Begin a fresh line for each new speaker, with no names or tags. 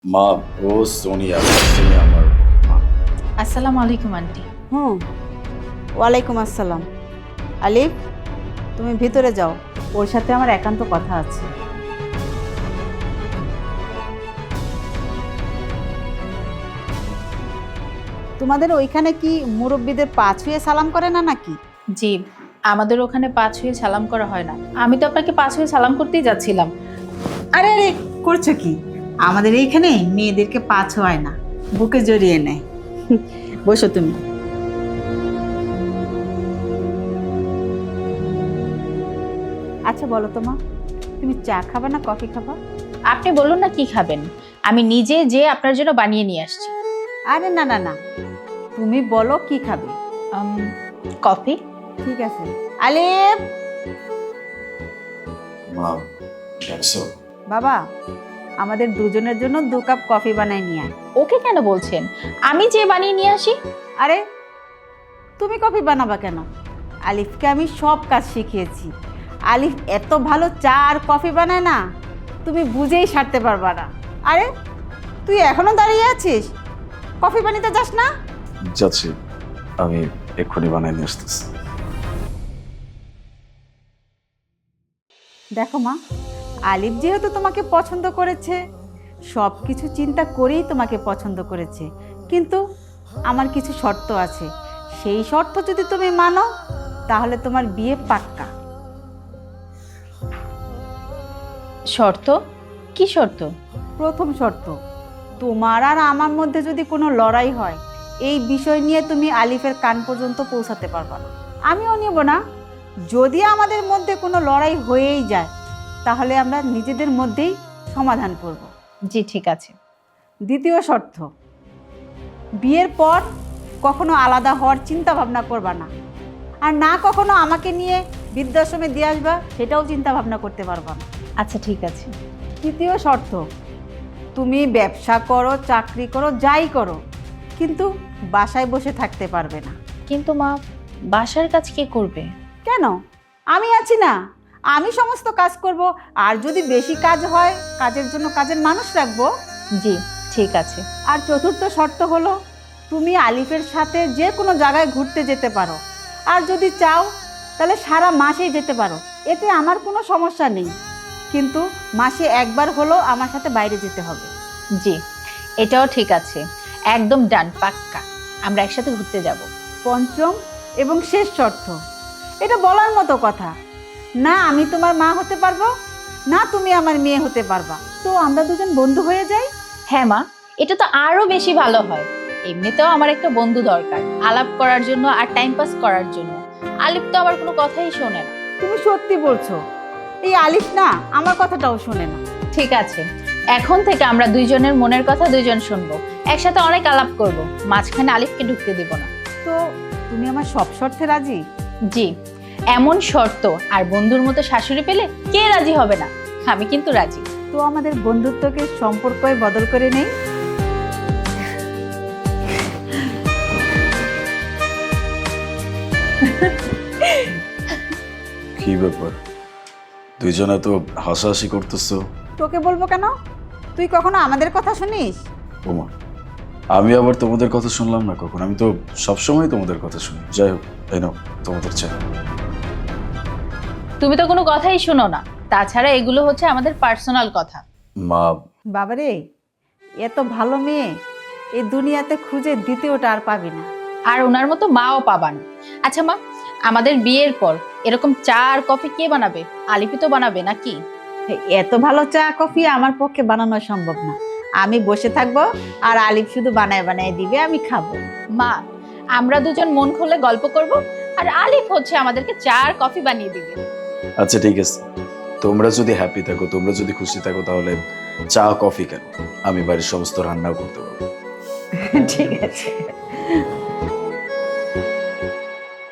মা ও সোনিয়া তুমি আমার মা।
আসসালামু আলাইকুম আন্টি।
ওয়ালাইকুম আসসালাম। আলিফ, তুমি ভিতরে যাও, ওর সাথে আমার একান্ত কথা আছে। তোমাদের ওইখানে কি মুরব্বীদের পা ছুঁয়ে সালাম করে না নাকি?
জি, আমাদের ওখানে পা ছুঁয়ে সালাম করা হয় না। আমি তো আপনাকে পা ছুঁয়ে সালাম করতেই যাচ্ছিলাম।
আরে আরে, করছো কি? আমাদের এইখানে মেয়েদেরকে পা ছোঁয়ায় না, বুকে জড়িয়ে নেয়। বসো তুমি। আচ্ছা বলো তো মা, তুমি চা খাবা না কফি খাবা?
আপনি বলুন না কি খাবেন, আমি নিজে যে আপনার জন্য বানিয়ে নিয়ে আসছি।
আরে না না না, তুমি বলো কি খাবে।
কফি।
ঠিক আছে। আলিফ,
মা দেখছো
বাবা, আমাদের দুজনের জন্য 2 কাপ কফি বানাই নিয়ে আয়।
ওকে কেন বলছেন? আমি যে বানিয়ে নিয়ে আসি।
আরে তুমি কফি বানাবা কেন? আলিফকে আমি সব কাজ শিখিয়েছি। আলিফ এত ভালো চা আর কফি বানায় না, তুমি বুঝেই সারতে পারবা না। আরে তুই এখনো দাঁড়িয়ে আছিস, কফি বানাতে যাস না?
যাচ্ছি, আমি এক্ষুনি বানিয়ে নিয়ে আসতেছি।
দেখো মা, আলিফ যেহেতু তোমাকে পছন্দ করেছে, সব কিছু চিন্তা করেই তোমাকে পছন্দ করেছে, কিন্তু আমার কিছু শর্ত আছে। সেই শর্ত যদি তুমি মানো তাহলে তোমার বিয়ে পাক্কা।
শর্ত? কি শর্ত?
প্রথম শর্ত, তোমার আর আমার মধ্যে যদি কোনো লড়াই হয়, এই বিষয় নিয়ে তুমি আলিফের কান পর্যন্ত পৌঁছাতে পারবা না, আমিও নেব না। যদি আমাদের মধ্যে কোনো লড়াই হয়েই যায়, তাহলে আমরা নিজেদের মধ্যেই সমাধান করব।
জি ঠিক আছে।
দ্বিতীয় শর্ত, বিয়ের পর কখনো আলাদা হওয়ার চিন্তা ভাবনা করবা না, আর না কখনো আমাকে নিয়ে বৃদ্ধাশ্রমে দিয়ে আসবা, সেটাও চিন্তা ভাবনা করতে পারবা না।
আচ্ছা ঠিক আছে।
তৃতীয় শর্ত, তুমি ব্যবসা করো, চাকরি করো, যাই করো, কিন্তু বাসায় বসে থাকতে পারবে না।
কিন্তু মা, বাসার কাজ কে করবে?
কেন? আমি আছি না, আমি সমস্ত কাজ করব। আর যদি বেশি কাজ হয়, কাজের জন্য কাজের মানুষ রাখবো।
জি ঠিক আছে।
আর চতুর্থ শর্ত হলো, তুমি আলিফের সাথে যে কোনো জায়গায় ঘুরতে যেতে পারো, আর যদি চাও তাহলে সারা মাসেই যেতে পারো, এতে আমার কোনো সমস্যা নেই, কিন্তু মাসে একবার হলো আমার সাথে বাইরে যেতে হবে।
জি এটাও ঠিক আছে, একদম ডান, পাক্কা। আমরা একসাথে ঘুরতে যাব।
পঞ্চম এবং শেষ শর্ত, এটা বলার মতো কথা না, আমি তোমার মা হতে পারবো না, তুমি আমার মেয়ে হতে পারবা, তো আমরা দুজন বন্ধু হয়ে যাই।
হ্যাঁ মা, এটা তো আরো বেশি ভালো হয়। এমনিতেও আমার একটা বন্ধু দরকার, আলাপ করার জন্য আর টাইম পাস করার জন্য। আলিফ তো আমার কোনো কথাই শোনে না।
তুমি সত্যি বলছো, এই আলিফ না আমার কথাটাও শোনে না।
ঠিক আছে, এখন থেকে আমরা দুইজনের মনের কথা দুইজন শুনবো, একসাথে অনেক আলাপ করব, মাঝখানে আলিফকে ঢুকতে দিব না।
তো তুমি আমার সব শর্তে রাজি?
জি, এমন শর্ত আর বন্ধুর মতো শাশুড়ি পেলে কে রাজি হবে না? আমি কিন্তু রাজি।
তো আমাদের বন্ধুত্বকে সম্পর্কই বদল করে নেই।
কি ব্যাপার, দুইজনে তো হাসাহাসি করতেছো?
তোকে বলবো কেন? তুই কখনো আমাদের কথা শুনিস?
ওমা, আমি আবার তোমাদের কথা শুনলাম না কখন? আমি তো সবসময় তোমাদের কথা শুনি। যাই হোক, এই নাও তোমাদের চা।
তুমি তো কোনো কথাই শোনো না, তাছাড়া এগুলো হচ্ছে আমাদের পার্সোনাল কথা।
মা,
বাবারে, এত ভালো মেয়ে এই দুনিয়াতে খুঁজে দ্বিতীয়টা আর পাবি না।
আর ওনার মতো মাও পাবা না। আচ্ছা মা, আমাদের বিয়ের পর এরকম চা আর কফি কে বানাবে? আলিফি তো বানাবে নাকি?
এত ভালো চা কফি আমার পক্ষে বানানো সম্ভব না। আমি বসে থাকবো আর আলিফ শুধু বানায় বানায় দিবে, আমি খাবো।
মা, আমরা দুজন মন খুলে গল্প করব, আর আলিফ হচ্ছে আমাদেরকে চা আর কফি বানিয়ে দিবে।
আচ্ছা ঠিক আছে, তোমরা যদি হ্যাপি থাকো, তোমরা যদি খুশি থাকো, তাহলে চা কফি কেন, আমি বাড়ির সমস্ত রান্নাও করতে পারবো।
ঠিক আছে।